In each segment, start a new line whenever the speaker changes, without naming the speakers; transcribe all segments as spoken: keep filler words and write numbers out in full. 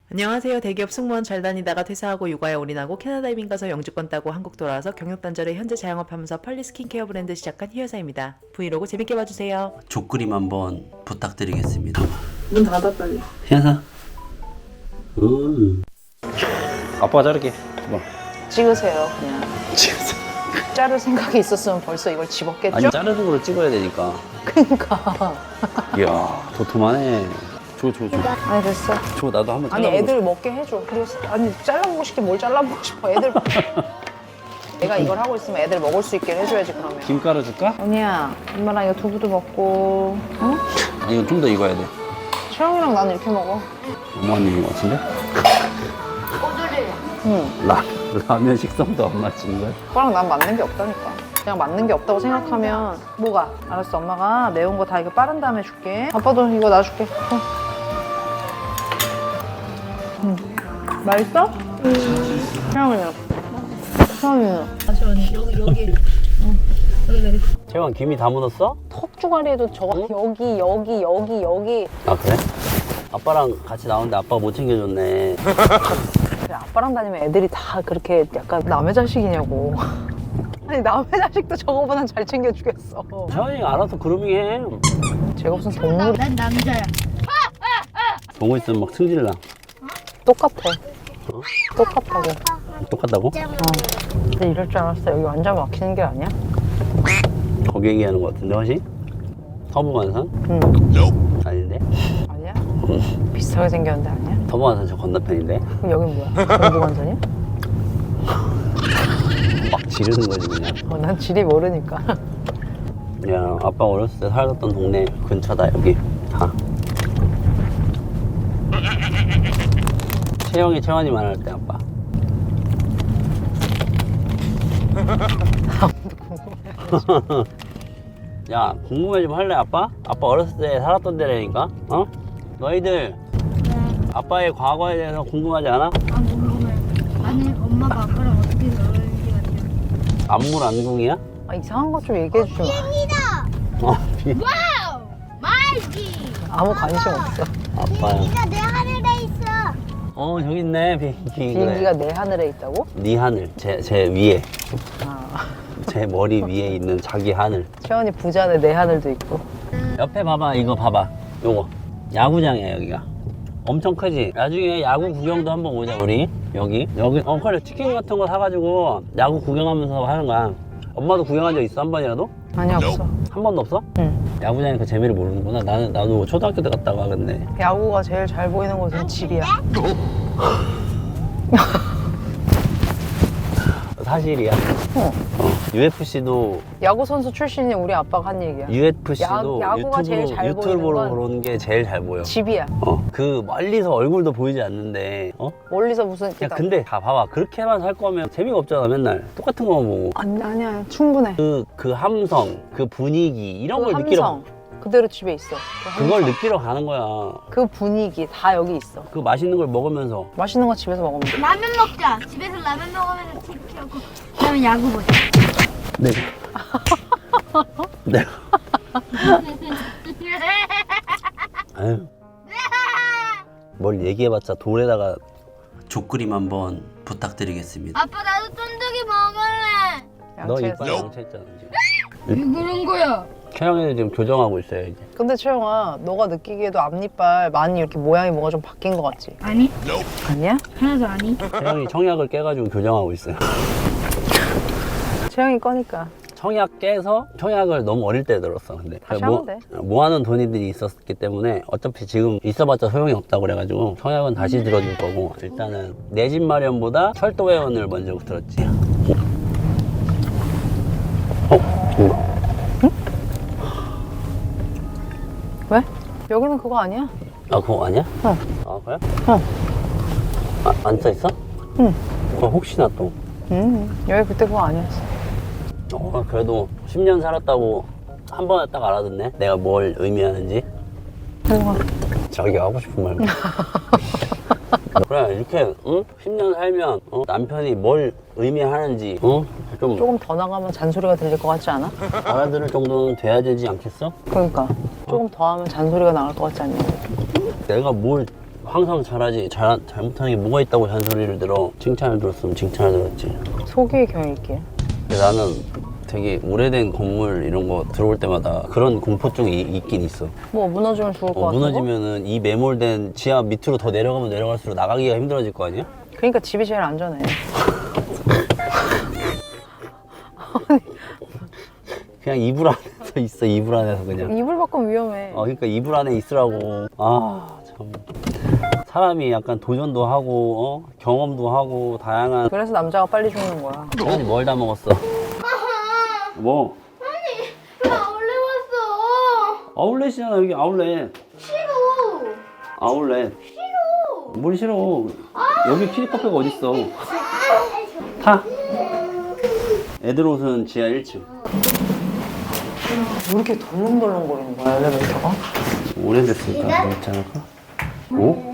안녕하세요. 대기업 승무원 잘 다니다가 퇴사하고 육아에 올인하고 캐나다 이민 가서 영주권 따고 한국 돌아와서 경력 단절에 현재 자영업하면서 펄리 스킨케어 브랜드 시작한 희여사입니다. 브이로그 재밌게 봐주세요.
족그림 한번 부탁드리겠습니다.
문 닫아 빨리.
희여사. 음. 아빠가 자를게. 뭐.
찍으세요 그냥.
찍었어.
자를 생각이 있었으면 벌써 이걸 집었겠죠?
아니 자르는 거로 찍어야 되니까.
그니까.
이야 도톰하네. 줘 줘 줘.
아니 됐어.
줘 나도 한번
아니
잘라보고
애들
싶어.
먹게 해줘. 그리고 아니 잘라보고 싶게 뭘 잘라보고 싶어. 애들 내가 이걸 하고 있으면 애들 먹을 수 있게 해줘야지 그러면.
김 깔아줄까?
언니야 엄마랑 이거 두부도 먹고 응?
아 이거 좀 더 익어야 돼.
채영이랑 나는 이렇게 먹어.
엄마가 익은 것 같은데?
응.
라 라면 식성도 안 맞추는 거야?
오빠랑 난 맞는 게 없다니까. 그냥 맞는 게 없다고 생각하면 뭐가? 알았어 엄마가 매운 거 다 이거 빠른 다음에 줄게. 아빠도 이거 놔줄게. 어. 응. 맛있어? 응. 채영이는? 채영이는?
채원 김이 다 묻었어?
턱주가리에도 저거 여기 여기 여기 여기.
아 그래? 아빠랑 같이 나오는데 아빠가 못 챙겨줬네.
그래, 아빠랑 다니면 애들이 다 그렇게 약간 남의 자식이냐고. 아니 남의 자식도 저거보단 잘 챙겨주겠어.
채원이가 알아서 그루밍해.
제가 무슨 동물
난 남자야.
보고 있으면 막 승질나.
똑같아.
어?
똑같다고.
똑같다고?
어. 근데 이럴 줄 알았어. 여기 완전 막히는 게 아니야?
거기 얘기하는 것 같은데 혹시? 서부간선?
응.
아닌데?
아니야? 비슷하게 생겼는데 아니야?
서부간선 저 건너편인데?
그럼 여긴 뭐야? 동부관선이야?
막 지르는 거지 그냥.
어, 난 지리 모르니까.
야 아빠 어렸을 때 살았던 동네 근처다 여기 다. 채영이 채원이 말할 때 아빠. 야 궁금해 좀 할래 아빠? 아빠 어렸을 때 살았던 데라니까 어? 너희들 아빠의 과거에 대해서 궁금하지 않아?
아 궁금해. 나는 엄마가 아빠랑 어떻게 놀았는지 같아.
안물 안궁이야?
아, 이상한 거 좀 얘기해 주지 마.
어, 비...
와우! 말기!
아무 관심 없어.
아빠야.
비행기가 내 하늘에 있어.
어 저기 있네 비행기.
비행기가
그래.
내 하늘에 있다고?
네 하늘 제, 제 위에
아.
제 머리 위에 있는 자기 하늘.
채원이 부자네 내 하늘도 있고.
옆에 봐봐 이거 봐봐 요거 야구장이야 여기가 엄청 크지. 나중에 야구 구경도 한번 오자 우리. 여기 여기 어 그래 치킨 같은 거 사가지고 야구 구경하면서 하는 거야. 엄마도 구경한 적 있어 한 번이라도?
아니 없어.
한 번도 없어?
응.
야구장에 그 재미를 모르는구나. 나는 나도 초등학교 때 갔다가 근데
야구가 제일 잘 보이는 곳은 집이야.
사실이야.
어.
어. 유에프씨도
야구 선수 출신이 우리 아빠가 한 얘기야.
유에프씨도
야- 야구가 제일 잘
유튜브로
보이는 건
보는 게 제일 잘 보여.
집이야.
어. 그 멀리서 얼굴도 보이지 않는데 어?
멀리서 무슨
야 근데 다 봐봐 그렇게만 살 거면 재미가 없잖아. 맨날 똑같은 거만 보고
아니 아니야 충분해.
그, 그 함성 그 분위기 이런
그
걸 느끼러
함성 그대로 집에 있어. 그
그걸
함성.
느끼러 가는 거야.
그 분위기 다 여기 있어.
그 맛있는 걸 먹으면서.
맛있는 거 집에서 먹으면 돼.
라면 먹자. 집에서 라면 먹으면서 티비 켜고 그다음에 야구 보자.
네. 네. 아유. 뭘 얘기해봤자 돌에다가 족그림 한번 부탁드리겠습니다.
아빠 나도 쫀득이 먹을래.
너
양치해서.
이빨 양치했잖아 지금.
왜 그런 거야?
최영이는 지금 교정하고 있어요 이제.
근데 채영아 너가 느끼기에도 앞니빨 많이 이렇게 모양이 뭐가 좀 바뀐 것 같지?
아니
아니야?
하나도 아니.
채영이 청약을 깨가지고 교정하고 있어요.
채영이 거니까.
청약 깨서 청약을 너무 어릴 때 들었어. 근데
다시
모,
하면 돼.
모아놓은 돈들이 있었기 때문에 어차피 지금 있어봤자 소용이 없다고 그래가지고 청약은 다시 들어줄 거고 일단은 내 집 마련보다 철도 회원을 먼저 들었지. 어? 어?
왜? 여기는 그거 아니야?
아 그거 아니야?
어.
아 그래?
어.
아, 안 써있어?
응.
어, 혹시나 또.
음, 여기 그때 그거 아니었어.
어, 그래도 십 년 살았다고 한 번에 딱 알아듣네. 내가 뭘 의미하는지.
그거.
자기 하고 싶은 말. 그래 이렇게 응? 십 년 살면 어? 남편이 뭘 의미하는지 어? 좀
조금 더 나가면 잔소리가 들릴 것 같지 않아?
알아들을 정도는 돼야 되지 않겠어?
그러니까 조금 더 하면 잔소리가 나갈 것 같지 않냐?
내가 뭘 항상 잘하지. 잘, 잘못하는 게 뭐가 있다고 잔소리를 들어. 칭찬을 들었으면 칭찬을 들었지.
소개의 경일게.
근데 나는 되게 오래된 건물 이런 거 들어올 때마다 그런 공포증이 이- 있긴 있어.
뭐 무너지면 죽을 것
어,
같은 거?
무너지면은 이 매몰된 지하 밑으로 더 내려가면 내려갈수록 나가기가 힘들어질 거 아니야?
그러니까 집이 제일 안전해.
그냥 이불 안에서 있어. 이불 안에서 그냥.
이불 밖은 위험해.
어, 그러니까 이불 안에 있으라고. 아, 참. 사람이 약간 도전도 하고, 어? 경험도 하고, 다양한.
그래서 남자가 빨리 죽는 거야.
아니, 뭘 다 먹었어? 뭐?
나 원래 왔어.
아울렛이잖아, 여기 아울렛.
싫어.
아울렛.
싫어.
뭘 싫어? 여기 키리카페가 어딨어? 타. 애들 옷은 지하 일 층.
왜 이렇게 덜렁덜렁거리는 거야, 엘리베이터가?
오래됐으니까 그렇지 않을까? 오?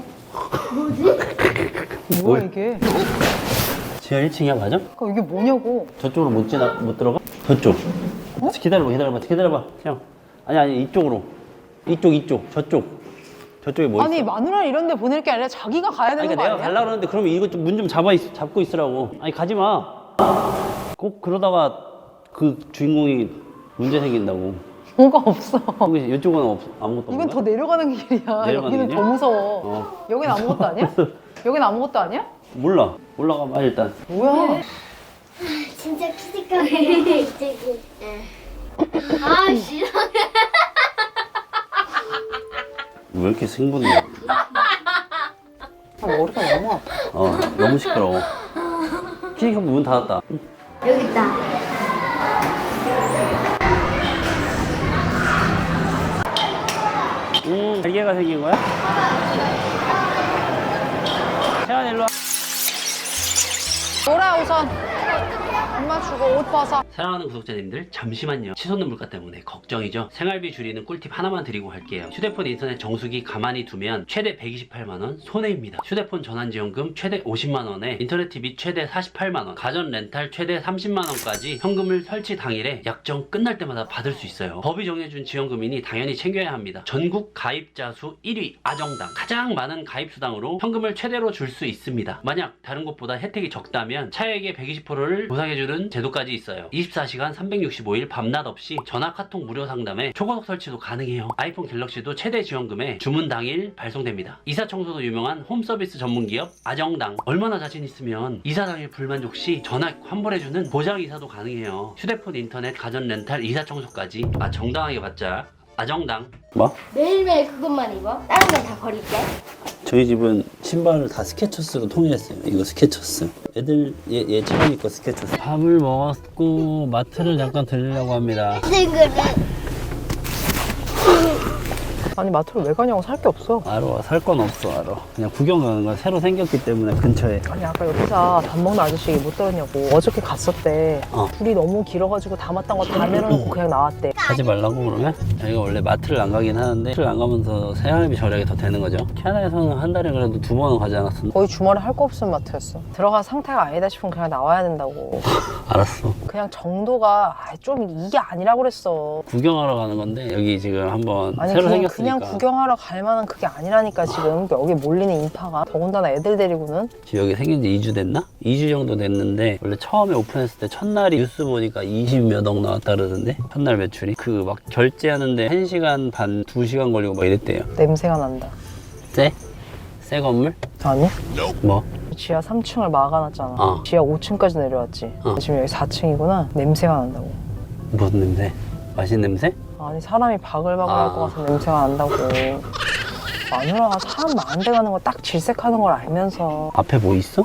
뭐야, 이게?
지하 일 층이야, 맞아?
그러니까 이게 뭐냐고.
저쪽으로 못 지나 못 들어가? 저쪽. 기다려봐, 기다려봐, 기다려봐. 그냥 아니 아니 이쪽으로. 이쪽 이쪽 저쪽. 저쪽에 뭐
아니,
있어?
마누라 이런 데 보낼 게 아니라 자기가 가야
아니,
되는
그러니까
거
내가
아니야?
가려고 그러는데 그러면 이거 좀 문 좀 잡아 있, 잡고 있으라고. 아니 가지 마. 꼭 그러다가 그 주인공이 문제 생긴다고.
뭐가 없어.
여기 이쪽은 없, 아무것도 없는
이건 더
거야?
내려가는 길이야.
내려가는
여기는
길이야?
더 무서워.
어.
여긴 아무것도 아니야? 여긴 아무것도 아니야?
몰라. 올라가 봐 일단.
뭐야?
진짜 키즈카페 이쪽이. 아 싫어.
왜 이렇게 승분해?
아, 머리가 너무 아파.
어 너무 시끄러워. 키니카 문 닫았다.
여기 있다.
음, 날개가 생긴 거야? 태연 일로 와.
놀아, 우선. 엄마 주고 옷 벗어.
사랑하는 구독자님들 잠시만요. 치솟는 물가 때문에 걱정이죠. 생활비 줄이는 꿀팁 하나만 드리고 갈게요. 휴대폰 인터넷 정수기 가만히 두면 최대 백이십팔만 원 손해입니다. 휴대폰 전환지원금 최대 오십만 원에 인터넷 티비 최대 사십팔만 원, 가전 렌탈 최대 삼십만 원까지 현금을 설치 당일에 약정 끝날 때마다 받을 수 있어요. 법이 정해준 지원금이니 당연히 챙겨야 합니다. 전국 가입자 수 일 위 아정당, 가장 많은 가입 수당으로 현금을 최대로 줄 수 있습니다. 만약 다른 곳보다 혜택이 적다면 차액의 백이십 퍼센트를 보상해주는 제도까지 있어요. 이십사 시간 삼백육십오 일 밤낮 없이 전화 카톡 무료 상담에 초고속 설치도 가능해요. 아이폰 갤럭시도 최대 지원금에 주문 당일 발송됩니다. 이사 청소도 유명한 홈서비스 전문기업 아정당. 얼마나 자신 있으면 이사 당일 불만족 시 전화 환불해주는 보장 이사도 가능해요. 휴대폰 인터넷 가전 렌탈 이사 청소까지 아 정당하게 받자. 아정당. 뭐?
매일매일 그것만 입어. 다른 건 다 버릴게.
저희 집은 신발을 다 스케쳐스로 통일했어요. 이거 스케쳐스. 애들 얘, 얘 채원이 거 스케쳐스. 밥을 먹었고 마트를 잠깐 들리려고 합니다.
친구를.
아니, 마트를 왜 가냐고. 살 게 없어.
알아. 살 건 없어. 알아. 그냥 구경 가는 거야. 새로 생겼기 때문에 근처에.
아니, 아까 옆에서 밥 먹는 아저씨 못 들었냐고. 어저께 갔었대.
어.
불이 너무 길어가지고 담았던 거 다 내려놓고 그냥 나왔대.
하지 말라고 그러면? 저희가 원래 마트를 안 가긴 하는데 마트를 안 가면서 생활비 절약이 더 되는 거죠. 캐나다에서는 한 달에 그래도 두 번은 가지 않았었나?
거의 주말에 할 거 없으면 마트였어. 들어가 상태가 아니다 싶으면 그냥 나와야 된다고.
알았어.
그냥 정도가 아, 좀 이게 아니라고 그랬어.
구경하러 가는 건데 여기 지금 한번
아니
새로
그냥,
생겼으니까
그냥 구경하러 갈 만한 그게 아니라니까 지금 여기 몰리는 인파가. 더군다나 애들 데리고는.
지금 여기 생긴 지 이 주 됐나? 이 주 정도 됐는데 원래 처음에 오픈했을 때 첫날이 뉴스 보니까 이십 몇 억 나왔다 그러던데 첫날 매출이 그 막 결제하는데 한 시간 반, 두 시간 걸리고 막 이랬대요.
냄새가 난다.
쎄? 새 건물?
아니?
뭐?
지하 삼 층을 막아놨잖아.
어.
지하 오 층까지 내려왔지.
어.
지금 여기 사 층이구나. 냄새가 난다고.
무슨 냄새? 맛있는 냄새?
아니 사람이 바글바글
아.
할 것 같은 냄새가 난다고. 마누라가 사람 많은 데 가는 거 딱 질색하는 걸 알면서
앞에 뭐 있어?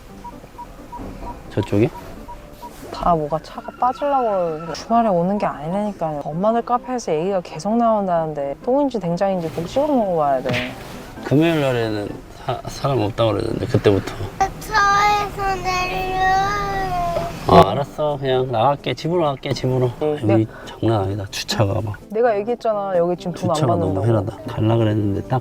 저쪽에?
다 뭐가 차가 빠지려고 그러는데 주말에 오는 게 아니라니까. 엄마들 카페에서 얘기가 계속 나온다는데 똥인지 된장인지 꼭 찍어 먹어봐야 돼.
금요일 날에는 사, 사람 없다고 그러는데 그때부터
차에서 내려.
아 알았어 그냥 나갈게 집으로 갈게 집으로
네.
여기 장난 아니다 주차가 막
내가 얘기했잖아. 여기 지금 돈 안
주차가
받는다고.
너무 헤라다 갈라 그랬는데 딱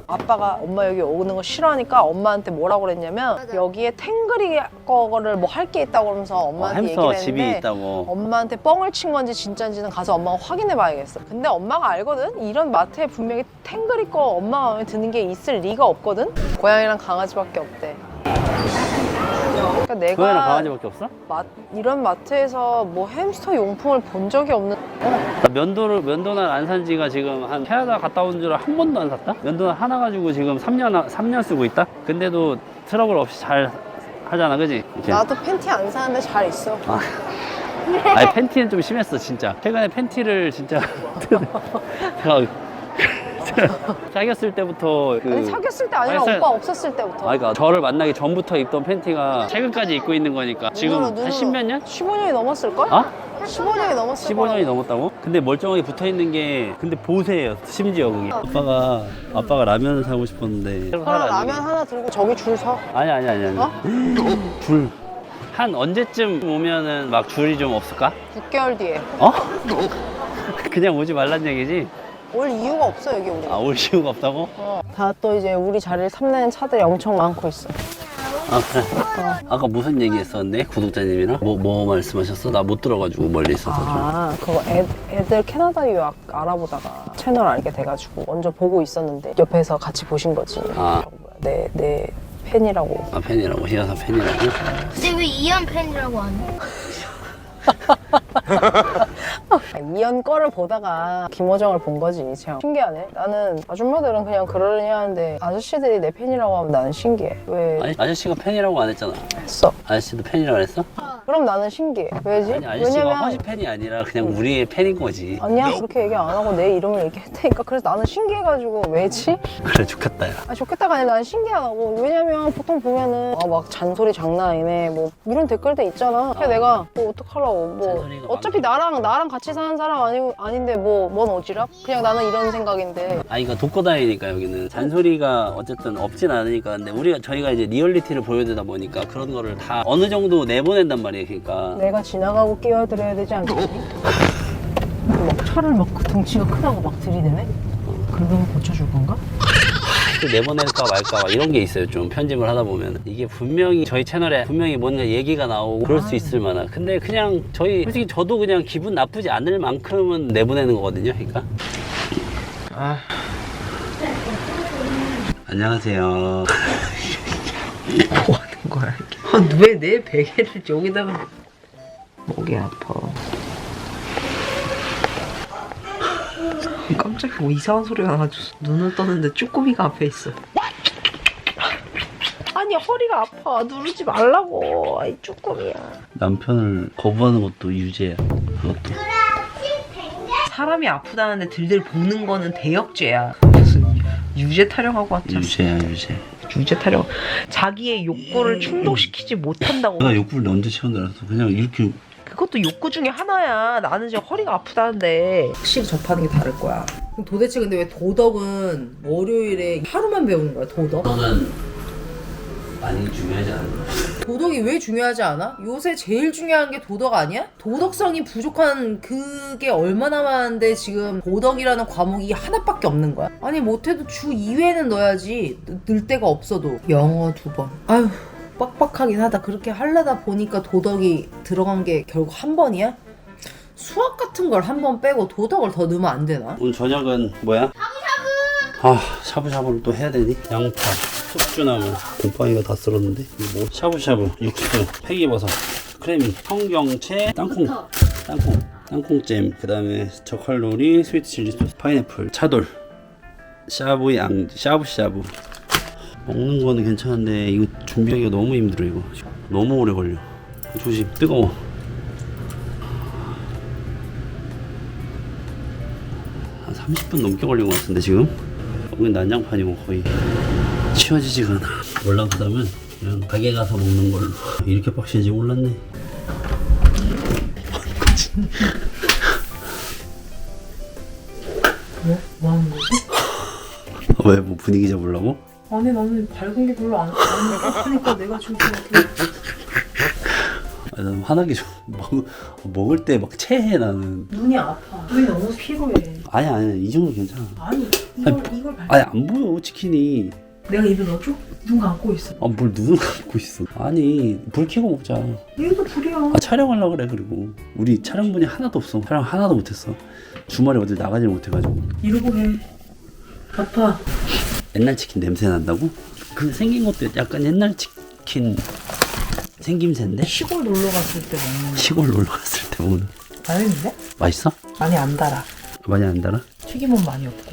아빠가 엄마 여기 오는 거 싫어하니까 엄마한테 뭐라고 그랬냐면
맞아.
여기에 탱글이 거를 뭐 할 게 있다고 그러면서
어,
엄마한테
햄스터
얘기를
집이
했는데
있다고.
엄마한테 뻥을 친 건지 진짜인지는 가서 엄마가 확인해 봐야겠어. 근데 엄마가 알거든? 이런 마트에 분명히 탱글이 거 엄마 마음에 드는 게 있을 리가 없거든? 고양이랑 강아지밖에 없대. 그러니까
고양이랑
내가
강아지밖에 없어?
마, 이런 마트에서 뭐 햄스터 용품을 본 적이 없는.
나 면도를 면도날 안 산 지가 지금 한 캐나다 갔다 온 줄 한 번도 안 샀다? 면도날 하나 가지고 지금 삼 년 삼 년 쓰고 있다? 근데도 트러블 없이 잘 하잖아, 그지? 이렇게.
나도 팬티 안 사는데 잘 있어.
아. 아니 팬티는 좀 심했어 진짜. 최근에 팬티를 진짜 제가 사귀었을 때부터 그
아니 사귀었을 때 아니라
아니, 사-
오빠 없었을 때부터.
아, 그러니까 저를 만나기 전부터 입던 팬티가 최근까지 입고 있는 거니까 지금
눈으로,
한 십몇 년?
십오 년이 넘었을걸?
어?
십오 년이 넘었을
십오 년이
거야.
넘었다고? 근데 멀쩡하게 붙어 있는 게 근데 보세요 심지어 그게. 아빠가 아빠가 라면을 사고 싶었는데 새로
그럼
사라,
라면
이게.
하나 들고 저기 줄 서.
아니 아니 아니 아니
어?
줄 한 언제쯤 오면은 막 줄이 좀 없을까?
육 개월 뒤에.
어? 그냥 오지 말란 얘기지?
올 이유가 없어 여기 우리.
아 올 이유가 없다고?
어. 다 또 이제 우리 자리를 탐내는 차들이 엄청 많고 있어.
아 그래. 아까 무슨 얘기 했었는데 구독자님이랑? 뭐, 뭐 말씀하셨어? 나 못 들어가지고 멀리 있어서 좀.
아 그거 애, 애들 캐나다 유학 알아보다가 채널 알게 돼가지고 먼저 보고 있었는데 옆에서 같이 보신 거지.
아.
내, 내 팬이라고.
아 팬이라고? 희아사 팬이라고?
근데 왜 이연 팬이라고 안 해?
이연 거를 보다가 김호정을 본 거지. 참 신기하네. 나는 아줌마들은 그냥 그러려니 하는데 아저씨들이 내 팬이라고 하면 나는 신기해. 왜
아니 아저씨가 팬이라고 안 했잖아.
했어?
아저씨도 팬이라고 했어?
그럼 나는 신기해. 왜지?
아니 아저씨가
왜냐면
허시 팬이 아니라 그냥 우리의 팬인 거지.
아니야 그렇게 얘기 안 하고 내 이름을 얘기했다니까. 그래서 나는 신기해가지고 왜지?
그래 좋겠다 야.
아 좋겠다가 아니라 나는 신기하다고. 왜냐면 보통 보면은 아, 막 잔소리 장난 아니네 뭐 이런 댓글도 있잖아. 그래서
아.
내가 뭐 어떡하려고 뭐
잔소리가
어차피 나랑 나랑 같이 사는 사람 아니, 아닌데 뭐 뭔 오지랖? 그냥 나는 이런 생각인데.
아 이거 독거다이니까 여기는 잔소리가 어쨌든 없진 않으니까. 근데 우리가 저희가 이제 리얼리티를 보여주다 보니까 그런 거를 다 어느 정도 내보낸단 말이에요. 그러니까
내가 지나가고 끼어들어야 되지 않겠니? 막 차를 막 그 덩치가 크다고 막 들이대네? 그러면 고쳐줄 건가?
또 내보낼까 말까 막 이런 게 있어요. 좀 편집을 하다 보면 이게 분명히 저희 채널에 분명히 뭔가 얘기가 나오고 그럴 수 있을 만한. 근데 그냥 저희 솔직히 저도 그냥 기분 나쁘지 않을 만큼은 내보내는 거거든요. 그러니까. 아. 안녕하세요.
뭐 하는 거야 이게? 아, 왜 내 베개를 여기다가. 목이 아파. 깜짝이야 뭐 이상한 소리가 나가지고 눈을 떴는데 쭈꾸미가 앞에 있어. 아니 허리가 아파. 누르지 말라고. 아이 쭈꾸미야.
남편을 거부하는 것도 유죄야. 그것도.
사람이 아프다는데 들들 볶는 거는 대역죄야. 무슨 유죄 타령하고 왔잖아.
유죄야 유죄.
유죄 타령. 자기의 욕구를 충족시키지 못한다고.
내가 욕구를 언제 채운다 그래서 그냥 이렇게.
그것도 욕구 중에 하나야. 나는 지금 허리가 아프다는데 확실히 접하는 게 다를 거야. 도대체 근데 왜 도덕은 월요일에 하루만 배우는 거야? 도덕?
너는 많이 중요하지 않아?
도덕이 왜 중요하지 않아? 요새 제일 중요한 게 도덕 아니야? 도덕성이 부족한 그게 얼마나 많은데 지금 도덕이라는 과목이 하나밖에 없는 거야? 아니 못해도 주 이 회는 넣어야지. 늘 데가 없어도. 영어 두 번. 아휴 빡빡하긴 하다. 그렇게 하려다 보니까 도덕이 들어간 게 결국 한 번이야? 수학 같은 걸 한 번 빼고 도덕을 더 넣으면 안 되나?
오늘 저녁은 뭐야? 샤브샤브! 아 샤브샤브를 또 해야 되니? 양파, 숙주나물, 곰팡이가 다 쓸었는데 이거 뭐? 샤브샤브, 육수, 팽이버섯, 크래미, 청경채, 땅콩, 땅콩, 땅콩잼, 그 다음에 저칼로리, 스위트 칠리 소스, 파인애플, 차돌, 샤브 양, 샤브샤브. 먹는 거는 괜찮은데 이거 준비하기가 너무 힘들어. 이거 너무 오래 걸려. 조심, 뜨거워. 한 삼십 분 넘게 걸린 것 같은데 지금? 여긴 난장판이고 거의 치워지지가 않아. 올라가다면 그냥 가게 가서 먹는 걸로. 이렇게 빡신지 몰랐네.
뭐? 뭐 하는 거지?
왜? 뭐 분위기 잡으려고?
아니 나는 밝은 게 별로 안 하니까 내가 좀 그렇게.
아, 난 화나게 좀 먹, 먹을 때 막 체해 나는.
눈이 아파. 눈이 너무 피로해.
아니 아니 이 정도 괜찮아.
아니 이걸 이걸 발.
아니 안 보여 치킨이.
내가 입에 넣어줘? 눈 감고 있어.
아 뭘 눈을 감고 있어. 아니 불 켜고 먹자.
얘도 불이야.
아 촬영하려고 그래. 그리고 우리 촬영분이 하나도 없어. 촬영 하나도 못했어. 주말에 어딜 나가지를 못해가지고.
이러고 해. 아파.
옛날 치킨 냄새 난다고? 그 생긴 것도 약간 옛날 치킨 생김새인데?
시골 놀러 갔을 때 먹는.
시골 놀러 갔을 때 먹는.
맛있는데?
맛있어?
많이 안 달아.
많이 안 달아?
튀김은 많이 없고.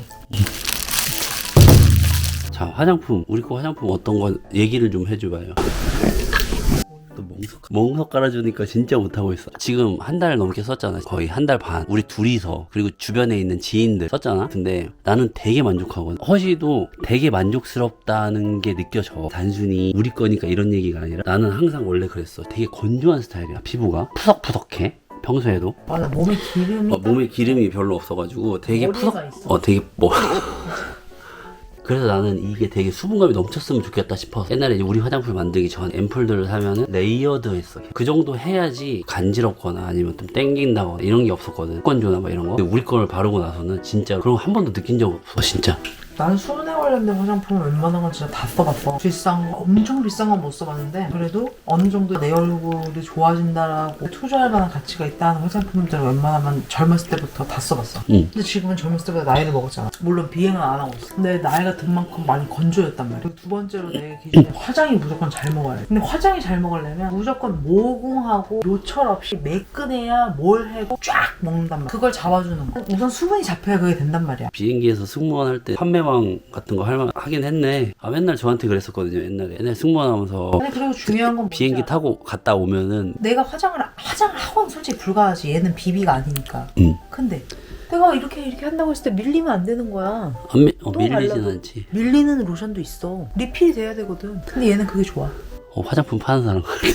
자 화장품 우리 거 화장품 어떤 건 얘기를 좀 해줘봐요. 또 멍석 멍석 깔아주니까 진짜 못하고 있어. 지금 한 달 넘게 썼잖아. 거의 한 달 반. 우리 둘이서 그리고 주변에 있는 지인들 썼잖아. 근데 나는 되게 만족하거든. 허시도 되게 만족스럽다는 게 느껴져. 단순히 우리 거니까 이런 얘기가 아니라 나는 항상 원래 그랬어. 되게 건조한 스타일이야. 피부가 푸석푸석해. 평소에도
맞아 몸에 기름이.
어, 몸에 기름이 별로 없어가지고 되게
머리가
푸석
있어.
어 되게 뭐 그래서 나는 이게 되게 수분감이 넘쳤으면 좋겠다 싶어서 옛날에 이제 우리 화장품 만들기 전 앰플들을 사면은 레이어드 했어. 그 정도 해야지 간지럽거나 아니면 좀 땡긴다거나 이런 게 없었거든. 건조나 막 이런 거. 근데 우리 거를 바르고 나서는 진짜 그런 거 한 번도 느낀 적 없어. 진짜.
난 수분에 관련된 화장품을 웬만한 건 진짜 다 써봤어. 비싼 거, 엄청 비싼 건 못 써봤는데 그래도 어느 정도 내 얼굴이 좋아진다라고 투자할 만한 가치가 있다는 화장품들은 웬만하면 젊었을 때부터 다 써봤어.
응.
근데 지금은 젊었을 때보다 나이를 먹었잖아. 물론 비행은 안 하고 있어. 근데 나이가 든 만큼 많이 건조했단 말이야. 그리고 두 번째로 내 기준에 화장이 무조건 잘 먹어야 돼. 근데 화장이 잘 먹으려면 무조건 모공하고 요철 없이 매끈해야 뭘 해도 쫙 먹는단 말이야. 그걸 잡아주는 거. 우선 수분이 잡혀야 그게 된단 말이야.
비행기에서 승무원 할 때 판매망 같은 거 할만 하긴 했네. 아 맨날 저한테 그랬었거든요. 옛날에 옛날 승무원 하면서
근데 그리고 중요한 건
비행기
뭔지 알아?
타고 갔다 오면은
내가 화장을 화장을 하고는 솔직히 불가하지. 얘는 비비가 아니니까.
응.
근데 내가 이렇게 이렇게 한다고 했을 때 밀리면 안 되는 거야.
안 미, 어,
또
밀리진
발라도
않지.
밀리는 로션도 있어. 리필이 돼야 되거든. 근데 얘는 그게 좋아.
어, 화장품 파는 사람 같아.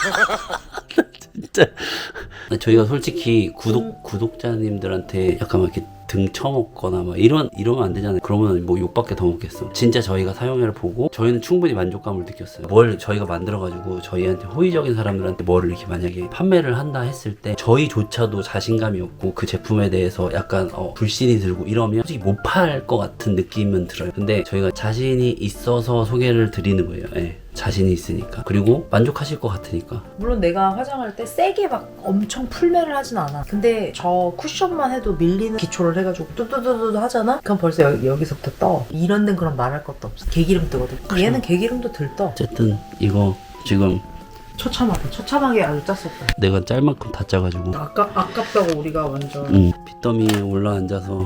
진짜. 저희가 솔직히 구독, 구독자님들한테 약간 막 이렇게 등 쳐먹거나 막 이런, 이러면 안 되잖아요. 그러면 뭐 욕밖에 더 먹겠어. 진짜 저희가 사용해를 보고 저희는 충분히 만족감을 느꼈어요. 뭘 저희가 만들어가지고 저희한테 호의적인 사람들한테 뭐를 이렇게 만약에 판매를 한다 했을 때 저희조차도 자신감이 없고 그 제품에 대해서 약간 어, 불신이 들고 이러면 솔직히 못 팔 것 같은 느낌은 들어요. 근데 저희가 자신이 있어서 소개를 드리는 거예요. 예. 자신이 있으니까. 그리고 만족하실 것 같으니까.
물론 내가 화장할 때 세게 막 엄청 풀매를 하진 않아. 근데 저 쿠션만 해도 밀리는 기초를 해가지고 뚜두두두 하잖아? 그럼 벌써 여, 여기서부터 떠. 이런 데는 그럼 말할 것도 없어. 개기름 뜨거든. 얘는 개기름도 덜 떠.
어쨌든 이거 지금
처참하게. 처참하게 아주 짰었다.
내가 짤 만큼 다 짜가지고
아까, 아깝다고 우리가 완전.
응. 빚더미에 올라앉아서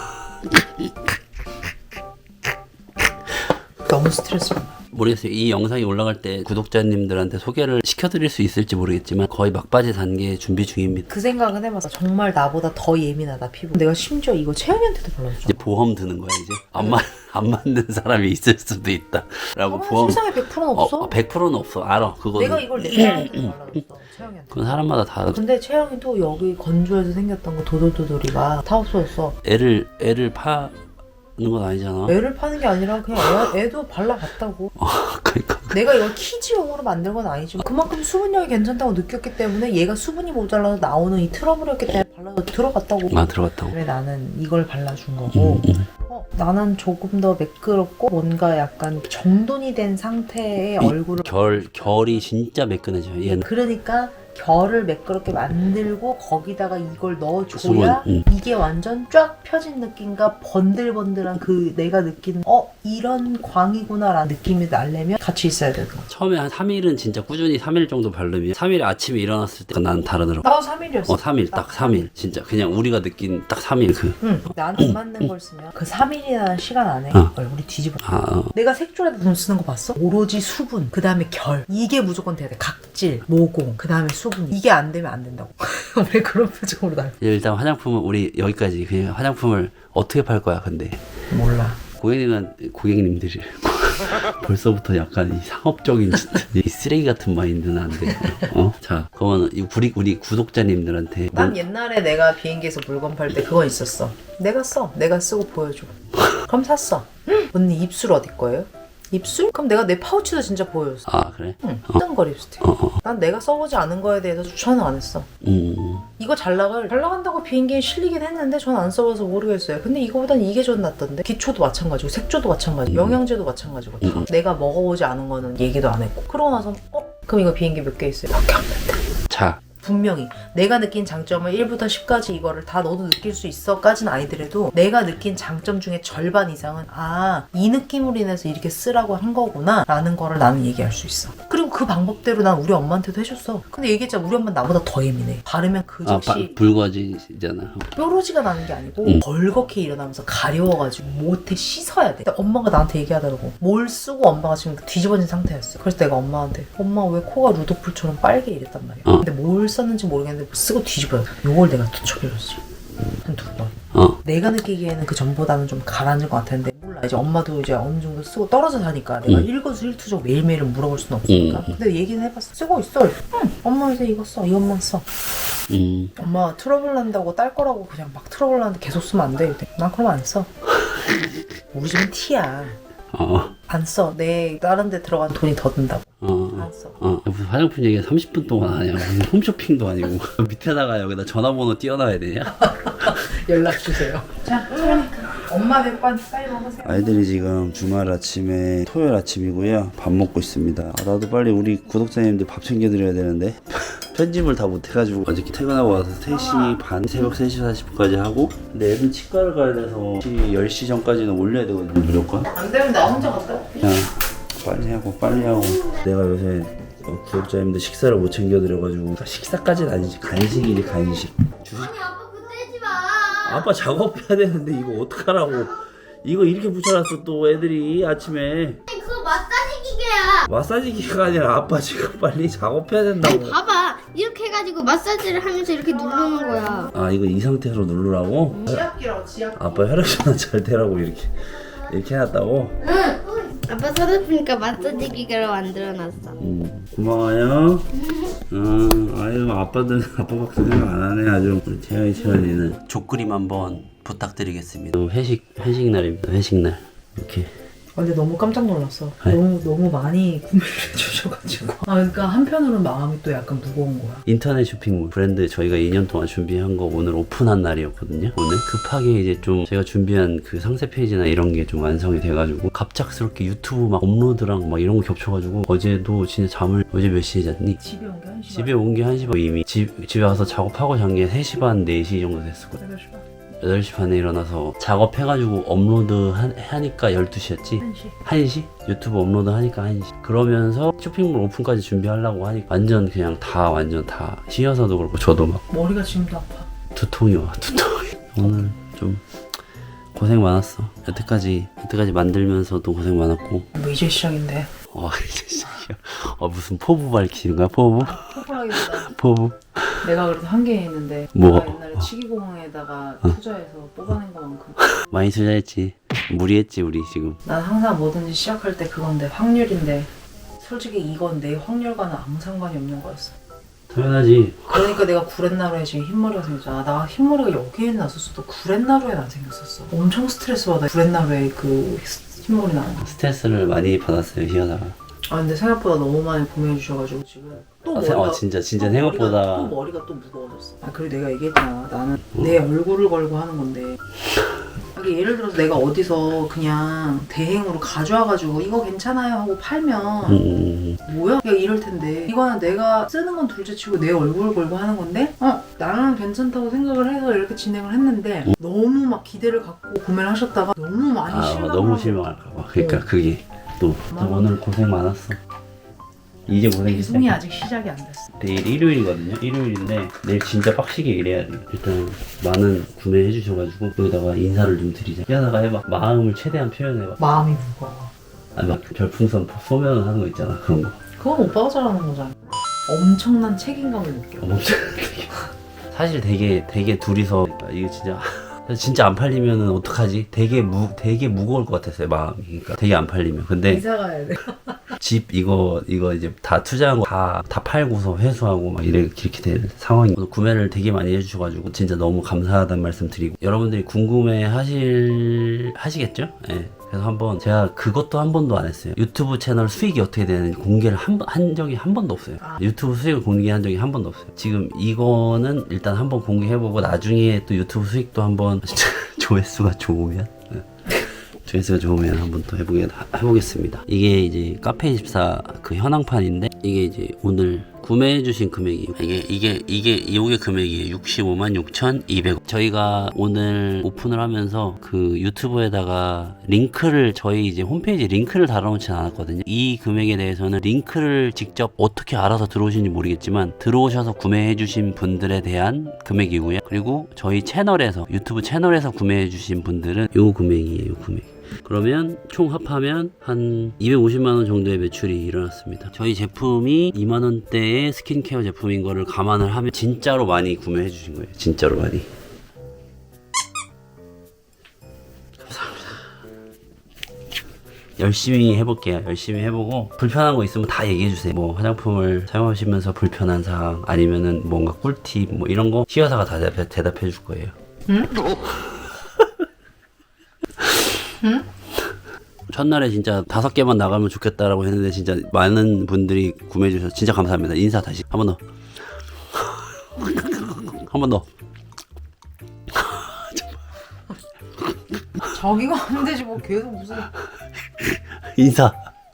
너무 스트레스 받아.
모르겠어요. 이 영상이 올라갈 때 구독자님들한테 소개를 시켜드릴 수 있을지 모르겠지만 거의 막바지 단계 준비 중입니다.
그 생각은 해봤어. 정말 나보다 더 예민하다 피부. 내가 심지어 이거 채영이한테도 발라줬잖아.
이제 보험 드는 거야 이제. 안, 맞, 안 맞는 사람이 있을 수도 있다 라고
어,
보험.
세상에 백 퍼센트는 없어.
어, 백 퍼센트는 없어. 알아. 그거는.
내가 이걸 내 채영이한테 발라줬어. 채영이한테.
그건 사람마다 다.
근데 채영이도 여기 건조해서 생겼던 거 도돌도돌이가 다 없어졌어.
애를 애를 파는 건 아니잖아.
애를 파는 게 아니라 그냥 애, 애도 발라봤다고.
어, 그러니까.
내가 이걸 키즈용으로 만든 건 아니지만 그만큼 수분력이 괜찮다고 느꼈기 때문에 얘가 수분이 모자라서 나오는 이 트러블이었기 때문에 발라서 들어갔다고.
아 들어갔다고.
그래 나는 이걸 발라준 거고.
음, 음.
어, 나는 조금 더 매끄럽고 뭔가 약간 정돈이 된 상태의
이
얼굴을.
결 결이 진짜 매끈해져요. 얘는.
그러니까 결을 매끄럽게 만들고 거기다가 이걸 넣어줘야
수분, 음.
이게 완전 쫙 펴진 느낌과 번들번들한 그 내가 느끼는 어 이런 광이구나 라는 느낌이 나려면 같이 있어야 되고.
처음에 한 삼 일은 진짜 꾸준히 삼 일 정도 바르면 삼 일에 아침에 일어났을 때 나는 다르더라고.
나도 삼 일이었어.
어 삼 일 딱 삼 일 진짜 그냥 우리가 느낀 딱 삼 일 그.
응. 나는 안 맞는 걸 쓰면 그 삼 일이라는 시간 안에
어.
얼굴이 뒤집어.
아 어.
내가 색조에다 돈 쓰는 거 봤어? 오로지 수분, 그 다음에 결. 이게 무조건 돼야 돼. 각질, 모공, 그 다음에 수분. 이게 안 되면 안 된다고. 왜 그런 표정으로 날?
일단 화장품은 우리 여기까지. 그냥 화장품을 어떻게 팔 거야 근데.
몰라.
고객님은 고객님들이 벌써부터 약간 이 상업적인 진짜 이 쓰레기 같은 마인드는 안 돼요. 어? 자, 그러면 이 우리 우리 구독자님들한테
난
뭐,
옛날에 내가 비행기에서 물건 팔 때 그거 있었어. 내가 써. 내가 쓰고 보여줘. 그럼 샀어. 언니 입술 어디 거예요? 입술? 그럼 내가 내 파우치도 진짜 보여줬어.
아 그래?
응.
어.
뜬거 립스틱.
어, 어.
난 내가 써보지 않은 거에 대해서 추천은 안 했어.
음.
이거 잘 나갈 잘 나간다고 비행기에 실리긴 했는데 전 안 써봐서 모르겠어요. 근데 이거보단 이게 좀 낫던데. 기초도 마찬가지고 색조도 마찬가지고
음.
영양제도 마찬가지고 다.
음.
내가 먹어보지 않은 거는 얘기도 안 했고. 그러고 나서 어? 그럼 이거 비행기 몇 개 있어요? 밖에 없는데.
자.
분명히 내가 느낀 장점을 일부터 십까지 이거를 다 너도 느낄 수 있어 까지는 아니더라도 내가 느낀 장점 중에 절반 이상은 아, 이 느낌으로 인해서 이렇게 쓰라고 한 거구나 라는 거를 나는 얘기할 수 있어. 그리고 그 방법대로 난 우리 엄마한테도 해줬어. 근데 얘기했잖아. 우리 엄마는 나보다 더 예민해. 바르면 그
아,
즉시
붉어지잖아.
뾰루지가 나는 게 아니고
응.
벌겋게 일어나면서 가려워가지고 못해 씻어야 돼. 근데 엄마가 나한테 얘기하더라고. 뭘 쓰고 엄마가 지금 뒤집어진 상태였어. 그래서 내가 엄마한테 엄마 왜 코가 루도풀처럼 빨개 이랬단 말이야.
어.
근데 뭘 썼는지 모르겠는데 쓰고 뒤집어야 돼. 요걸 내가 투척해줬지. 한 두 번.
어.
내가 느끼기에는 그 전보다는 좀 가라앉은 것 같았는데 몰라. 이제 엄마도 이제 어느 정도 쓰고 떨어져 사니까 내가
응.
일거수일투족 매일매일 물어볼 수는 없으니까.
응.
근데 얘기는 해봤어. 쓰고 있어. 응. 엄마 이제 이거 써. 이것만 써.
음.
엄마 트러블 난다고 딸 거라고 그냥 막 트러블 나는데 계속 쓰면 안 돼. 이랬더니 난 그럼 안 써. 우리 집은 티야.
어.
안 써. 내 다른 데 들어간 돈이 더 든다고.
어.
안 써.
어. 무슨 화장품 얘기 삼십 분 동안 하냐. 무슨 홈쇼핑도 아니고. 밑에다가 여기다 전화번호 띄워놔야 되냐?
연락 주세요. 자, 그러니까 엄마 백반 빨리 먹으세요.
아이들이 지금 주말 아침에 토요일 아침이고요. 밥 먹고 있습니다. 아, 나도 빨리 우리 구독자님들 밥 챙겨드려야 되는데 편집을 다 못해가지고 어저께 퇴근하고 와서 세 시 반, 새벽 세 시 사십 분까지 하고 근데 애들 치과를 가야 돼서 열 시 전까지는 올려야 되거든요. 무조건.
안 되면 나 혼자 갔다 올게.
그냥 빨리 하고 빨리 하고 내가 요새 어, 구독자님들 식사를 못 챙겨드려가지고 식사까지는 아니지. 간식이지 간식. 주식.
아니 아빠 그거 떼지 마.
아빠 작업해야 되는데 이거 어떡하라고. 이거 이렇게 붙여놨어 또 애들이 아침에.
아니 그거 마사지 기계야.
마사지 기계가 아니라 아빠 지금 빨리 작업해야 된다고.
봐봐 이렇게 해가지고 마사지를 하면서 이렇게 누르는 거야.
아 이거 이 상태로 누르라고?
지압기라고 지압기.
아빠 혈액순환 잘 되라고 이렇게 이렇게 해놨다고?
응. 아빠 서랍이니까 마사지 기계로 만들어놨어.
음 고마워요. 음 아유 아빠들 아빠 박수 생각 안 하네 아주. 우리 태연이 태연이는 족그림 한번 부탁드리겠습니다. 회식 회식 날입니다. 회식 날 이렇게.
근데 너무 깜짝 놀랐어.
네.
너무 너무 많이 구매를 해주셔가지고. 아 그러니까 한편으로는 마음이 또 약간 무거운 거야.
인터넷 쇼핑몰 브랜드 저희가 이 년 동안 준비한 거 오늘 오픈한 날이었거든요. 오늘 급하게 이제 좀 제가 준비한 그 상세 페이지나 이런 게 좀 완성이 돼가지고 갑작스럽게 유튜브 막 업로드랑 막 이런 거 겹쳐가지고 어제도 진짜 잠을 어제 몇 시에 잤니?
집에 온 게 한 시간.
집에 온 게 한 시 반 이미 집, 집에 와서 작업하고 잔 게 세 시 반, 네 시 정도 됐었거든.
여덟 시 반.
여덟 시 반에 일어나서 작업해가지고 업로드 하, 하니까 열두 시였지?
한 시.
한 시? 유튜브 업로드 하니까 한 시. 그러면서 쇼핑몰 오픈까지 준비하려고 하니까 완전 그냥 다 완전 다 쉬어서도 그렇고 저도 막
머리가 지금도 아파.
두통이 와 두통이. 오늘 좀 고생 많았어. 여태까지 여태까지 만들면서도 고생 많았고.
뭐 이제 시작인데.
와 이제 시작이야. 어 무슨 포부 밝히는 거야 포부?
포괄하기보다
포부?
내가 그래도 한개 있는데
뭐?
내가 옛날에 치기공항에다가
어.
투자해서 뽑아낸 것만큼
많이 투자했지. 무리했지 우리 지금.
난 항상 뭐든지 시작할 때 그건데 확률인데 솔직히 이건 내 확률과는 아무 상관이 없는 거였어.
당연하지.
그러니까 내가 구렛나루에 지금 흰머리가 생겼잖아. 나 흰머리가 여기에 났었어도 구렛나루에 안 생겼었어. 엄청 스트레스 받아. 구렛나루에 그 흰머리 나는 거.
스트레스를 많이 받았어요 희연아가.
아 근데 생각보다 너무 많이 구매해 주셔가지고 지금 또
아,
머리가
어, 진짜 진짜
또
생각보다.
머리가, 또 머리가 또 무거워졌어. 아 그리고 내가 얘기했잖아. 나는 내 얼굴을 걸고 하는 건데. 이게 예를 들어서 내가 어디서 그냥 대행으로 가져와가지고 이거 괜찮아요 하고 팔면
음,
뭐야? 그냥 이럴 텐데 이거는 내가 쓰는 건 둘째치고 내 얼굴을 걸고 하는 건데 어 나는 괜찮다고 생각을 해서 이렇게 진행을 했는데
음.
너무 막 기대를 갖고 구매를 하셨다가 너무 많이
아
실망을
너무
하고
실망할까봐. 그러니까
어.
그게 또
맞아.
오늘 고생 많았어. 이제 고생이
배송이
시작이야.
아직 시작이 안 됐어.
내일 일요일이거든요. 일요일인데 내일 진짜 빡시게 일해야 돼. 일단 많은 구매해 주셔가지고 여기다가 인사를 좀 드리자. 희연아가 해봐. 마음을 최대한 표현해봐.
마음이 무거워.
아 막 별풍선 소면 하는 거 있잖아 그런 거.
그건 오빠가 잘하는 거잖아. 엄청난 책임감을 느껴.
엄청 사실 되게 되게 둘이서 그러니까 이거 진짜 진짜 안 팔리면은 어떡하지? 되게 무 되게 무거울 것 같았어요 마음이. 그러니까 되게 안 팔리면. 근데
이사 가야 돼.
집 이거 이거 이제 다 투자한 거 다 다 팔고서 회수하고 막 이래 이렇게 된 상황이. 오늘 구매를 되게 많이 해주셔가지고 진짜 너무 감사하다는 말씀 드리고 여러분들이 궁금해 하실 하시겠죠? 예. 그래서 한번 제가 그것도 한 번도 안 했어요. 유튜브 채널 수익이 어떻게 되는지 공개를 한, 번- 한 적이 한 번도 없어요. 유튜브 수익을 공개한 적이 한 번도 없어요. 지금 이거는 일단 한번 공개해보고 나중에 또 유튜브 수익도 한번 조회수가 좋으면 네. 조회수가 좋으면 한번 또 해보게, 해보겠습니다. 이게 이제 카페이십사 그 현황판인데 이게 이제 오늘 구매해주신 금액이 이게 이게 이게 요게 금액이에요. 육십오만 육천이백 원. 저희가 오늘 오픈을 하면서 그 유튜브에다가 링크를 저희 이제 홈페이지 링크를 달아놓진 않았거든요. 이 금액에 대해서는 링크를 직접 어떻게 알아서 들어오신지 모르겠지만 들어오셔서 구매해주신 분들에 대한 금액이고요. 그리고 저희 채널에서 유튜브 채널에서 구매해주신 분들은 요 금액이에요. 요 금액. 그러면 총 합하면 한 이백오십만 원 정도의 매출이 일어났습니다. 저희 제품이 이만 원대의 스킨케어 제품인 거를 감안을 하면 진짜로 많이 구매해 주신 거예요. 진짜로 많이. 감사합니다. 열심히 해볼게요. 열심히 해보고 불편한 거 있으면 다 얘기해 주세요. 뭐 화장품을 사용하시면서 불편한 사항 아니면은 뭔가 꿀팁 뭐 이런 거 시여사가 다 대답해, 대답해 줄 거예요.
응? 응?
첫날에 진짜 다섯 개만 나가면 좋겠다라고 했는데 진짜 많은 분들이 구매해 주셔서 진짜 감사합니다. 인사 다시 한 번 더. 한 번 더.
자기가 하면 되지 뭐 계속 무슨.
인사.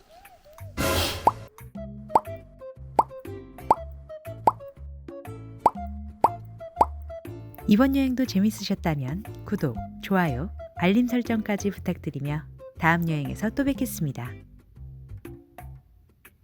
이번 여행도 재밌으셨다면 구독, 좋아요, 알림 설정까지 부탁드리며 다음 여행에서 또 뵙겠습니다.